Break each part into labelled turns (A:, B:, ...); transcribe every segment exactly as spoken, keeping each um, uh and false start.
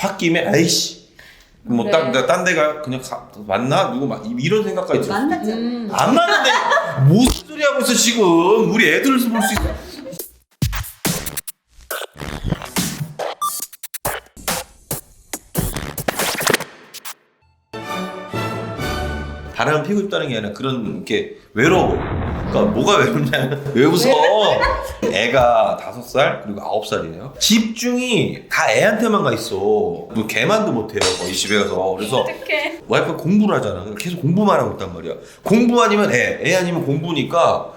A: 홧김에 아이씨 뭐
B: 그래.
A: 딴 딴 데가 그냥 가, 맞나 누구 막 이런 생각까지 들었어.
C: 만났잖아.
B: 음.
A: 안 맞는데 무슨 소리 하고 있어 지금. 우리 애들 볼 수 있어. 바람을 피고 싶다는 게 아니라 그런 게 외로워. 그러니까 뭐가 외롭냐면 왜 웃어? 애가 다섯 살 그리고 아홉 살이에요. 집중이 다 애한테만 가 있어. 뭐 개만도 못해요 거의 집에 가서. 그래서
B: 어떡해.
A: 와이프가 공부를 하잖아. 계속 공부만 하고 있단 말이야. 공부 아니면 애, 애 아니면 공부니까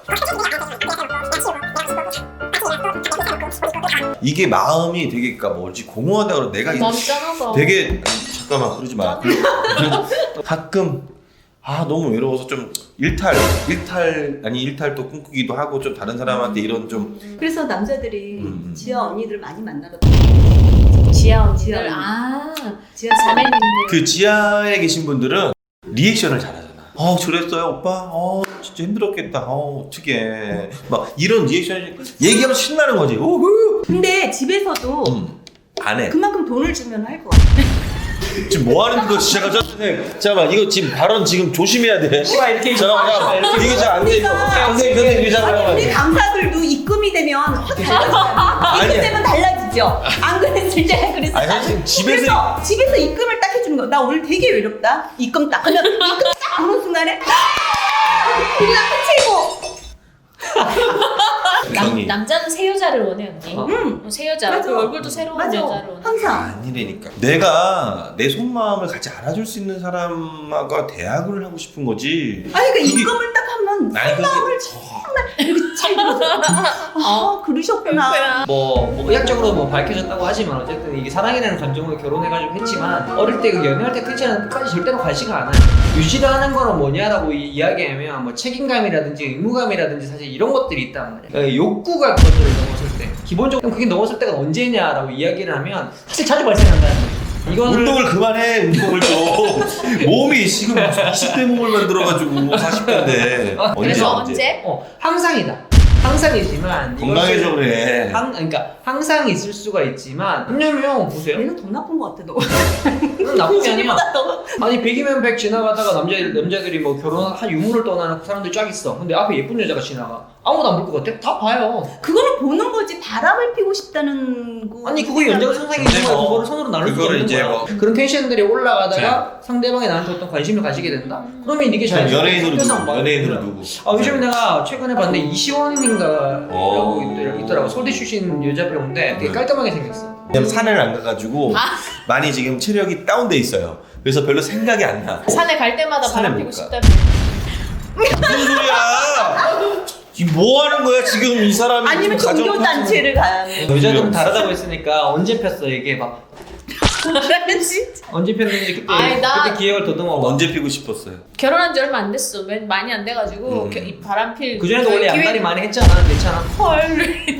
A: 이게 마음이 되게 그러니까 뭐지 공허하다 그러 내가
B: 마음 짠하다.
A: 되게 잠깐만 그러지 마. 가끔 아 너무 외로워서 좀 일탈 일탈 아니 일탈도 꿈꾸기도 하고 좀 다른 사람한테 이런 좀
C: 그래서 남자들이
A: 음, 음.
C: 지아 언니들 많이 만나러
B: 지아 언니들.
C: 지아 언니.
B: 아,
C: 지아
B: 자매님들.
A: 그 지하에 계신 분들은 리액션을 잘하잖아. 어 저랬어요 오빠. 어 진짜 힘들었겠다. 어 어떻게 막 이런 리액션이 얘기하면 신나는 거지. 오후.
C: 근데 집에서도
A: 음, 안 해.
C: 그만큼 돈을 주면 할 거 같아.
A: 지금 뭐 하는 거 시작하 선생님. 잠깐만 이거 지금 발언 지금 조심해야 돼.
D: 씨발 이렇게
A: 잠깐만 잠깐만 이게 잘 안 돼. 이거 선생님 선생님 이거
C: 아니
A: 잠깐만.
C: 우리 강사들도 입금이 되면 확 달라지잖아.
A: 아니야.
C: 입금되면 달라지죠. 안 그랬을 때 그랬어.
A: 아니 선생님 집에서
C: 그래서 집에서 입금을 딱 해주는 거. 나 오늘 되게 외롭다. 입금 딱 하면 입금 딱 하는 순간에 그냥 끝이고.
A: 경이.
B: 남, 남자는 새 여자를 원해 언니.
D: 어.
C: 응.
B: 어, 새 여자.
C: 맞아.
B: 그 얼굴도 새로운
C: 맞아.
B: 여자를 원해.
C: 항상.
A: 아니라니까. 내가 내 속마음을 같이 알아줄 수 있는 사람과 대화를 하고 싶은 거지.
C: 아니 그
A: 그게-
C: 입금을 딱 하면
A: 아니, 그게-
C: 마음을 정말 이렇게 잘 들어서 아 그러셨구나.
B: 그렇구나.
D: 뭐, 뭐 의학적으로 뭐 밝혀졌다고 하지만 어쨌든 이게 사랑이라는 감정으로 결혼해가지고 했지만 어릴 때 그 연애할 때 크지는 끝까지 절대로 관심가 않아요. 유지를 하는 거는 뭐냐라고 이, 이야기하면 뭐 책임감이라든지 의무감이라든지 사실 이런 것들이 있단 말이에요. 그러니까 욕구가 그것들을 넘었을 때 기본적으로 그게 넘었을 때가 언제냐라고 이야기를 하면 사실 자주 발생한다는 거예요. 이거를
A: 운동을 그만해 운동을 좀. 몸이 지금 이십 대 몸을 만들어가지고 사십 대인데.
D: 아,
B: 그래서 언제?
D: 어, 항상이다. 항상이지만
A: 건강해져
D: 이것을
A: 그래.
D: 항, 그러니까 항상 있을 수가 있지만 왜냐면 보세요.
C: 얘는 더 나쁜 것 같아 너.
D: 음, 나쁜 게 아니야.
C: 보다 더.
D: 아니 백이면 백 지나가다가 남자 남자들이 뭐 결혼한 유물을 떠나는 사람들이 쫙 있어. 근데 앞에 예쁜 여자가 지나가. 아무도 안 볼 것 같아? 다 봐요.
C: 그거는 보는 거지 바람을 피고 싶다는 거.
D: 아니 그거 연장선상에
A: 근데
D: 있는 거야.
A: 뭐
D: 그거를 손으로 나눌 수가
A: 그거를
D: 없는
A: 이제
D: 거야.
A: 뭐-
D: 그런 텐션들이 올라가다가 상대방이 나한테 어떤 관심을 가지게 된다. 그러면 이게 잘
A: 연예인으로
D: 섞여서
A: 누구?
D: 막
A: 연예인으로 누구?
D: 아 요즘에 내가 최근에 봤는데 이시원인가
A: 어.
D: 라고 있더- 있더라고. 서울대 출신 여자 배우인데 되게 깔끔하게 생겼어.
A: 왜냐면 산을 안 가가지고 많이 지금 체력이 다운돼 있어요. 그래서 별로 생각이 안 나.
B: 산에 갈 때마다
A: 산에
B: 바람
A: 못
B: 피고
A: 가.
B: 싶다며.
A: 무슨 소리야? 지금 뭐 하는 거야 지금 이 사람이?
C: 아니면
A: 지금 가정
C: 종교 단체를 가야 해.
D: 여자들은 다르다고 했으니까 언제 폈어 이게 막
C: 진짜.
D: 언제 폈는지 그때
B: 아이, 나-
D: 그때 기억을 더듬어 봐.
A: 언제 피고 싶었어요?
B: 결혼한 지 얼마 안 됐어. 맨- 많이 안 돼가지고
A: 음.
B: 겨- 이 바람 필.
D: 그 전에도 원래
B: 기회-
D: 양다리 많이 했잖아. 괜찮아.
B: 헐.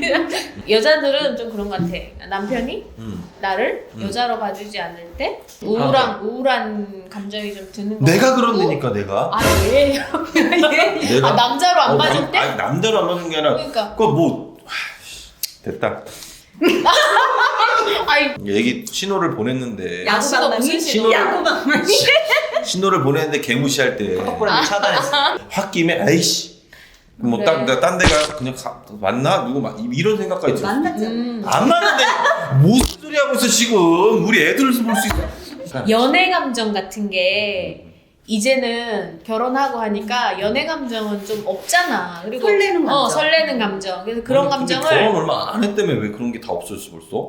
B: 여자들은 좀 그런 것 같아. 남편이
A: 음.
B: 나를
A: 음.
B: 여자로 봐주지 않을 때 우울한 우울한 감정이 좀 드는 거.
A: 내가
B: 같고.
A: 그런다니까 내가.
B: 아 왜?
A: 내가
B: 아 남자로 안
A: 어,
B: 봐줄
A: 남-
B: 때?
A: 아니, 남자로 안 봐준 게 아니라
B: 그러니까.
A: 그거 뭐 하, 됐다.
B: 아이
A: 얘기 신호를 보냈는데
B: 야구가 무슨 신호?
C: 야구방망이.
A: 신호를 보냈는데 개무시할 때
D: 톡보라도 차단했어.
A: 홧김에 아이씨 뭐
B: 그래.
A: 딴 딴 데가 그냥 가, 맞나 누구 막 이런 생각까지 들었어.
C: 만났잖아.
B: 음.
A: 안 맞는데 무슨 소리 하고 있어 지금. 우리 애들 볼 수 있어.
B: 연애 감정 같은 게 이제는 결혼하고 하니까 연애 감정은 좀 없잖아. 그리고
C: 설레는 감정.
B: 어 설레는 감정. 그래서 그런
A: 아니, 근데
B: 감정을
A: 결혼 얼마 안 했다며 왜 그런 게 다 없어졌어 벌써?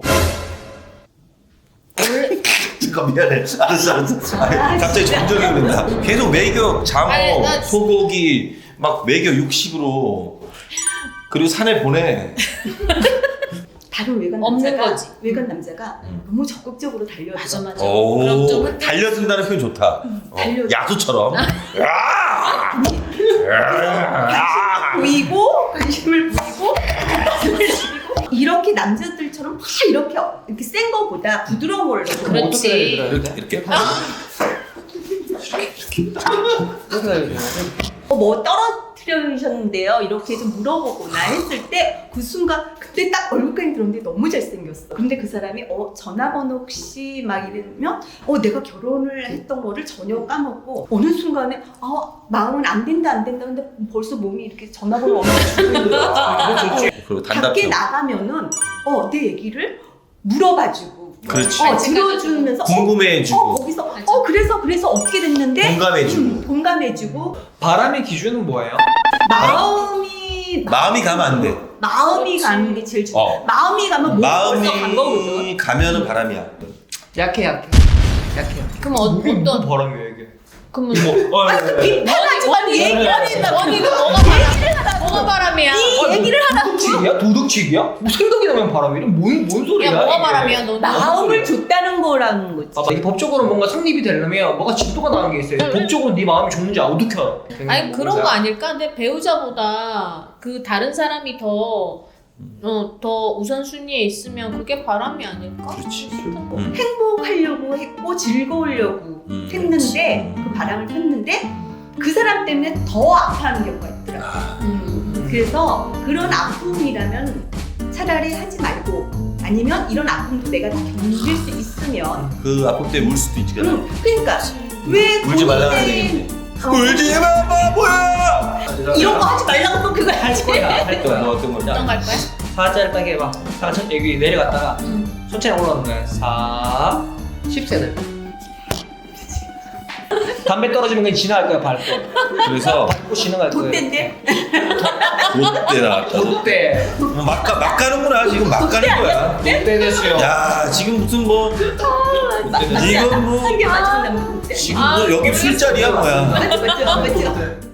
B: 원래
A: 잠깐 미안해. 알았어 알았어. 아니, 갑자기 정적이 오른다. 계속 매겨 장어
B: 아니, 나-
A: 소고기 막 매겨 육식으로 그리고 산에 보내.
C: 다른 외간
B: 없는
C: 남자가
B: 거지.
C: 외간 남자가
A: 음.
C: 너무 적극적으로 달려줘.
B: 맞아 맞아.
A: 오
B: 그럼 좀 흔들-
A: 달려든다는 표현 좋다. 어,
C: 달려줘.
A: 야수처럼. 야! 야!
C: 보이고 관심을 보이고 관심을 보이고 이렇게 남자들처럼 막 이렇게 이렇게 센 거보다 부드러운 걸 넣고
B: 그렇지.
D: 어떻게 해야 되더라,
A: 이렇게
D: 이렇게?
A: 이렇게.
D: 어떻게 해야 되더라?
C: 어, 뭐 떨어뜨려 필요하셨는데요? 이렇게 좀 물어보거나 했을 때 그 순간 그때 딱 얼굴까지 들었는데 너무 잘생겼어. 근데 그 사람이 어 전화번호 혹시 막 이러면 어 내가 결혼을 했던 거를 전혀 까먹고 어느 순간에 아 마음은 안 된다 안 된다 근데 벌써 몸이 이렇게 전화번호 없는 주는 거야.
A: 그리고
C: 밖에
A: 단답형.
C: 나가면은 어 내 얘기를 물어봐주고
A: 그렇지.
C: 어 들어주면서
A: 궁금해해주고.
C: 어, 어 거기서 어 그래서 그래서 어떻게 됐는데
A: 공감해주고.
C: 음, 공감해주고
D: 바람의 기준은 뭐예요?
C: 마음이
A: 마음이 가면 안 돼.
C: 마음이
B: 그렇지.
C: 가는 게 제일 중요.
A: 어.
C: 마음이 가면 몸이 벌써 간 거거든.
A: 마음이 가면은 바람이야.
D: 약해 약해 약해 약해.
B: 그럼 어,
D: 이게 무슨
B: 어떤
D: 바람이야 이게?
B: 그러면
D: 뭐? 어, 예, 예.
C: 비판하지 말고
B: 원이-
C: 얘기를 하신다.
B: 원이는 뭐가 바람? 뭐가 바람이야?
C: 이 얘기를 하라.
D: 도둑질이야? 도둑질이야? 뭐 생각이 나면 바람이래? 뭔, 뭔 소리야?
B: 야 뭐가
D: 이게?
B: 바람이야 너?
C: 마음을 줬다는 거라는 거지.
D: 봐봐, 이게 법적으로 뭔가 성립이 되려면 뭐가 진도가 나는 게 있어요. 법적으로 네 마음이 좋은지 어떻게 알아?
B: 아니 그런 거 아닐까? 근데 배우자보다 그 다른 사람이 더 어, 더 우선순위에 있으면 그게 바람이 아닐까?
A: 그렇지.
B: 싶은데.
A: 음.
C: 행복하려고 했고 즐거우려고
A: 음.
C: 했는데
A: 음.
C: 그 바람을 폈는데 그 사람 때문에 더 아파하는 경우가 있더라.
A: 아,
B: 음.
C: 그래서 그런 아픔이라면 차라리 하지 말고 아니면 이런 아픔도 내가 다 견딜 수 있으면
A: 그 아픔 때문에 울 수도 있지. 그래.
C: 응, 그러니까 왜
A: 울지 말라 그래야
C: 본인은-
A: 되겠네.
C: 어,
A: 울지 마 바보야.
C: 이런 거 하지 말라고 또 그걸
D: 할
C: 하지.
D: 거야 할
A: 뭐
D: 거야.
A: 어떤 거?
B: 어떤 갈 거야?
D: 사자를 딱 해봐. 사자 여기 내려갔다가
B: 음.
D: 천천히 올라오는 거야. 사, 십 세들. 담배 떨어지면 그냥 지나갈 거야 밟고.
A: 그래서
D: 밟고 지나갈 거야.
C: 돗대인데
A: 롯데 나왔다.
D: 롯데.
A: 막, 가, 막 가는구나. 지금 막 가는 거야.
D: 롯데 됐어요.
A: 야, 지금 무슨 뭐 지금 뭐
C: 한개 맞춘다면 돗대.
A: 지금
B: 아,
A: 뭐 여기 술자리야 뭐야.
C: 맞죠 맞죠 맞죠.